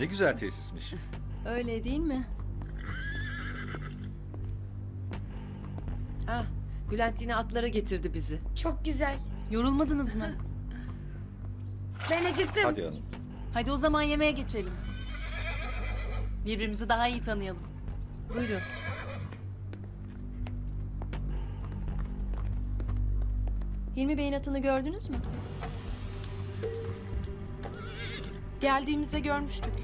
Ne güzel tesismiş. Öyle değil mi? Ah, Bülent yine atlara getirdi bizi. Çok güzel. Yorulmadınız mı? Ben acıktım. Hadi hanım. Hadi o zaman yemeğe geçelim. Birbirimizi daha iyi tanıyalım. Buyurun. Hilmi Bey'in atını gördünüz mü? Geldiğimizde görmüştük.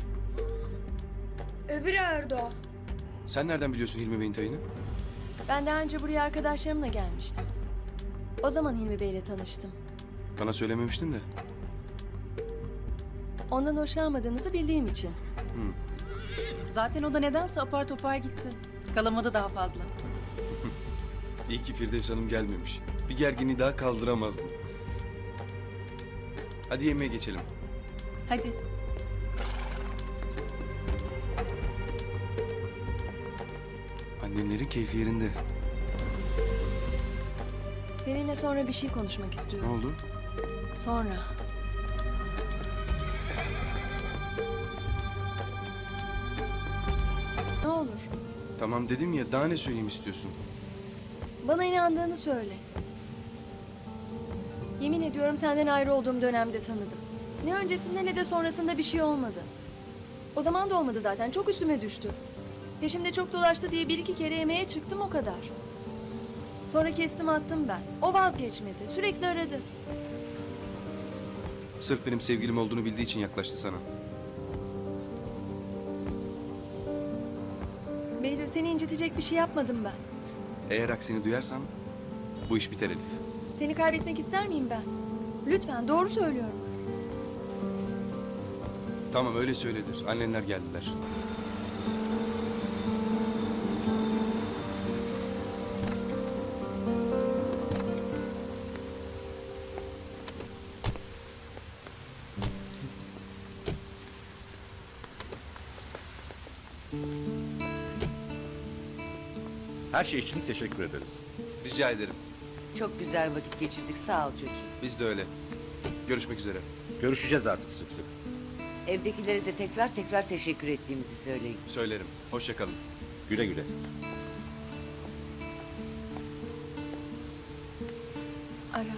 Öbür ağırdı o. Sen nereden biliyorsun Hilmi Bey'in tayını? Ben daha önce buraya arkadaşlarımla gelmiştim. O zaman Hilmi Bey'le tanıştım. Bana söylememiştin de. Ondan hoşlanmadığınızı bildiğim için. Hı. Zaten o da nedense apar topar gitti. Kalamadı daha fazla. İyi ki Firdevs Hanım gelmemiş. Bir gerginliği daha kaldıramazdım. Hadi yemeğe geçelim. Hadi. Annenlerin keyfi yerinde. Seninle sonra bir şey konuşmak Ne istiyorum. oldu? Sonra. Ne olur. Tamam dedim ya, daha ne söyleyeyim istiyorsun? Bana inandığını söyle. Yemin ediyorum senden ayrı olduğum dönemde tanıdım. Ne öncesinde ne de sonrasında bir şey olmadı. O zaman da olmadı zaten. Çok üstüme düştü. Peşimde çok dolaştı diye bir iki kere yemeğe çıktım o kadar. Sonra kestim attım ben. O vazgeçmedi. Sürekli aradı. Sırf benim sevgilim olduğunu bildiği için yaklaştı sana. Behlül seni incitecek bir şey yapmadım ben. Eğer aksini duyarsan bu iş biter Elif. Seni kaybetmek ister miyim ben? Lütfen doğru söylüyorum. Tamam öyle söyledir. Annenler geldiler. Her şey için teşekkür ederiz. Rica ederim. Çok güzel vakit geçirdik. Sağ ol çocuğum. Biz de öyle. Görüşmek üzere. Görüşeceğiz artık sık sık. Evdekilere de tekrar tekrar teşekkür ettiğimizi söyleyin. Söylerim. Hoşça kalın. Güle güle. Ara.